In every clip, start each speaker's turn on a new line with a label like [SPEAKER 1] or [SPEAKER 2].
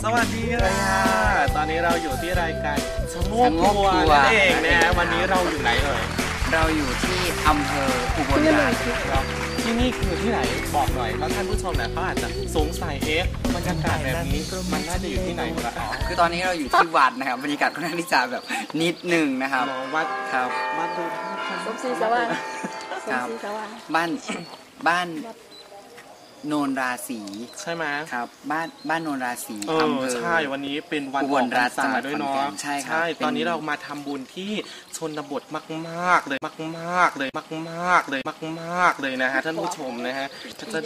[SPEAKER 1] สวัสดีเลยค่ะตอนนี้เราอยู่ที่รายการชะโงกครัวนั่นเองนะฮะวันนี้เราอยู่ไหนเอ่ย
[SPEAKER 2] เราอยู่ที่อำเภออุบลราชครับ
[SPEAKER 1] ที่นี่คือที่ไหนบอกหน่อยเพราะท่านผู้ชมเนี่ยเขาอาจจะสงสัยบรรยากาศแบบนี้มันน่าจะอยู่ที่ไหนวะ
[SPEAKER 2] คือตอนนี้เราอยู่ที่วัดนะครับบรรยากาศค่อนข้างที่จะแบบนิดหนึ่งนะครับ
[SPEAKER 1] วัด
[SPEAKER 2] ครับ
[SPEAKER 1] วัดดูท่า
[SPEAKER 3] สมศรีสว่าง
[SPEAKER 2] ครับบ้านโนนราศี
[SPEAKER 1] ใช่ไหม
[SPEAKER 2] ครับบ้านโนนราศี
[SPEAKER 1] อำเภอใช่วันนี้เป็นวัน
[SPEAKER 2] อุบลราช
[SPEAKER 1] ด้วยเนาะ
[SPEAKER 2] ใช่
[SPEAKER 1] ตอนนี้เรามาทำบุญที่ชนบทมากๆเลยมากๆเลยนะฮะท่านผู้ชมนะฮะ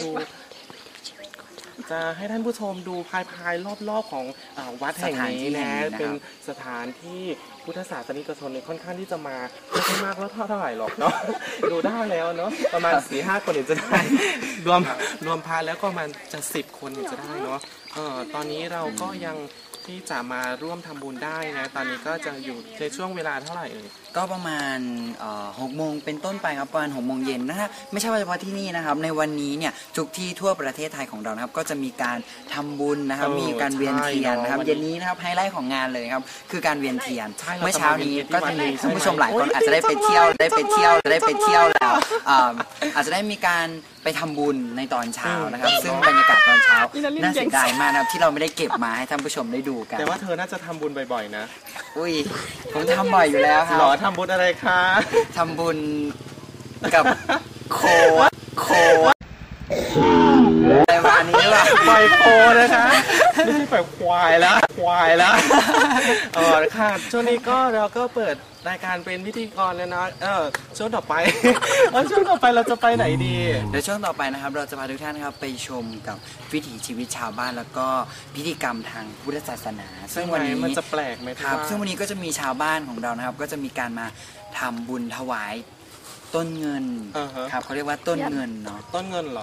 [SPEAKER 1] จะให้ท่านผู้ชมดูภายรอบๆของวัดแห่งนี้นะเป็นสถานที่พุทธศาสนิกชนค่อนข้างที่จะมาไม่ใช่มากแล้วเท่าไหร่หรอกเนาะดูได้แล้วเนาะประมาณ 4-5 คนจะได้รวมพาแล้วก็มันจะ10 คนจะได้เนาะตอนนี้เราก็ยังที่จะมาร่วมทำบุญได้นะตอนนี้ก็จะอยู่ในช่วงเวลาเท่าไหร่
[SPEAKER 2] ก็ประมาณ6 โมงเป็นต้นไปครับประมาณ6 โมงเย็นนะฮะไม่ใช่เฉพาะที่นี่นะครับในวันนี้เนี่ยทุกที่ทั่วประเทศไทยของเรานะครับก็จะมีการทำบุญนะครับมีการเวียนเทียนนะครับเย็นนี้นะครับไฮไลท์ของงานเลยครับคือการเวียนเทียนเมื่อเช้านี้ก็จะมีท่านผู้ชมหลายคนอาจจะได้ไปเที่ยวแล้วอาจจะได้มีการไปทำบุญในตอนเช้านะครับซึ่งบรรยากาศตอนเช้าน่าเสียดายมากนะครับที่เราไม่ได้เก็บมาให้ท่านผู้ชมได้ดูกัน
[SPEAKER 1] แต่ว่าเธอน่าจะทำบุญบ่อยๆนะ
[SPEAKER 2] อุ้ยผมทำบ่อยอยู่แล้วครับ
[SPEAKER 1] หรอทำบุญอะไรคะ
[SPEAKER 2] ทำบุญกับโคอะไรมานี้ล่ะ
[SPEAKER 1] ปล่อยโคนะคะไม่ใช่ปล่อยควายแล้วค่ะช่วงนี้ก็เราก็เปิดรายการเป็นพิธีกรแล้วนะช่วงต่อไปเราจะไปไหนดี
[SPEAKER 2] เดี๋ยวช่วงต่อไปนะครับเราจะพาทุกท่านนะครับไปชมกับวิถีชีวิตชาวบ้านแล้วก็พิธีกรรมทางพุทธศาสนา
[SPEAKER 1] ซึ่งวันนี้มันจะแปลกไหม
[SPEAKER 2] ครับซึ่งวันนี้ก็จะมีชาวบ้านของเรานะครับก็จะมีการมาทำบุญถวายต้นเงินครับเขาเรียกว่าต้นเงินเนาะ
[SPEAKER 1] ต้นเงินเหรอ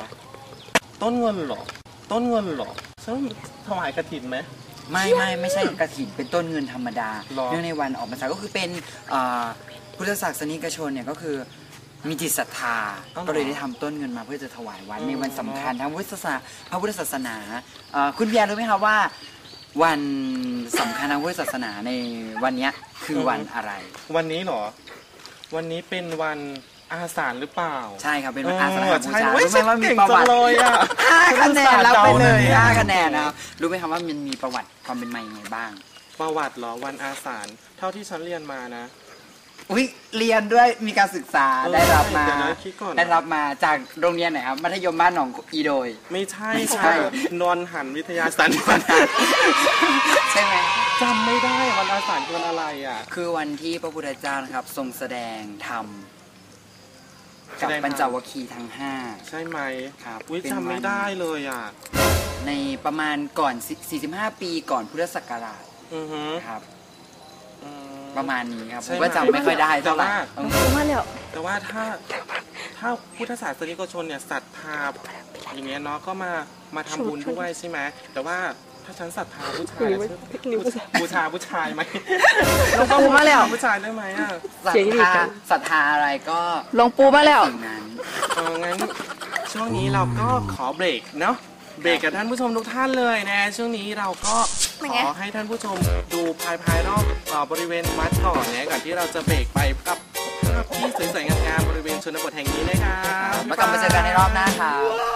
[SPEAKER 1] ซึ่งถวายกฐินไหม
[SPEAKER 2] ไม่ใช่กฐินเป็นต้นเงินธรรมดาเนื่องในวันออกพรรษาก็คือเป็นพุทธศาสนิกชนเนี่ยก็คือมีจิตศรัทธาก็เลยได้ทำต้นเงินมาเพื่อจะถวายวัดในวันสำคัญทางพระพุทธศาสนาคุณเบียร์รู้ไหมครับว่าวันสำคัญทางพุทธศาสนาในวันนี้คือวันอะไร
[SPEAKER 1] วันนี้เหรอวันนี้เป็นวันอาสาฬหรือเปล่า
[SPEAKER 2] ใช่ครับเป็นวันอาสาฬบูชารู้ไหมว่ามีประวัติ5 คะแนนรับไปเลย5 คะแนนนะครับรู้ไหมครับว่ามันมีประวัติความเป็นมาอย่างไรบ้าง
[SPEAKER 1] ประวัติเหรอวันอาสาฬเท่าที่ฉันเรียนมานะ
[SPEAKER 2] เรียนด้วยมีการศึกษาได้รับมาจากโรงเรียนไหนครับมัธยมบ้านหนองอีโดย
[SPEAKER 1] ไม่ใช่นนหันวิทยาสัน
[SPEAKER 2] ใช่ไหม
[SPEAKER 1] จำไม่ได้วันอาสาฬคือวันอะไรอ่ะ
[SPEAKER 2] คือวันที่พระพุทธเจ้านะครับทรงแสดงธรรมกับปัญจวัคคีย์ทั้ง5
[SPEAKER 1] ใช่ไหม
[SPEAKER 2] ครับ
[SPEAKER 1] จำไม่ได้เลยอ่ะ
[SPEAKER 2] ในประมาณก่อน45 ปีก่อนพุทธศักราชครับประมาณนี้ครับผมก็จำไม่ค่อยได้เท่าไหร่
[SPEAKER 1] แต่ว่าถ้าพุทธศาสนิกชนเนี่ยศรัทธาอย่างเงี้ยเนาะก็มาทำบุญด้วยใช่ไหมแต่ว่าถ้าฉันศรัทธาผู้ชายบูชาผู้ชายไหม
[SPEAKER 3] หลวงปู่มาแล้ว
[SPEAKER 1] ผู้ชายได้ไหมอ่ะ
[SPEAKER 2] ศรัทธาอะไรก็
[SPEAKER 3] หลวงปู่มาแล้ว
[SPEAKER 1] งั้นช่วงนี้เราก็ขอเบรกเนาะเบรกกับท่านผู้ชมทุกท่านเลยนะช่วงนี้เราก็ขอให้ท่านผู้ชมดูภายรอบบริเวณวัดก่อนนะก่อนที่เราจะเบรกไปกับภาพที่สวยๆงามๆบริเวณชนบทแห่งนี้นะครับ
[SPEAKER 2] แล้วกลับมาเจอกันในรอบหน้าครับ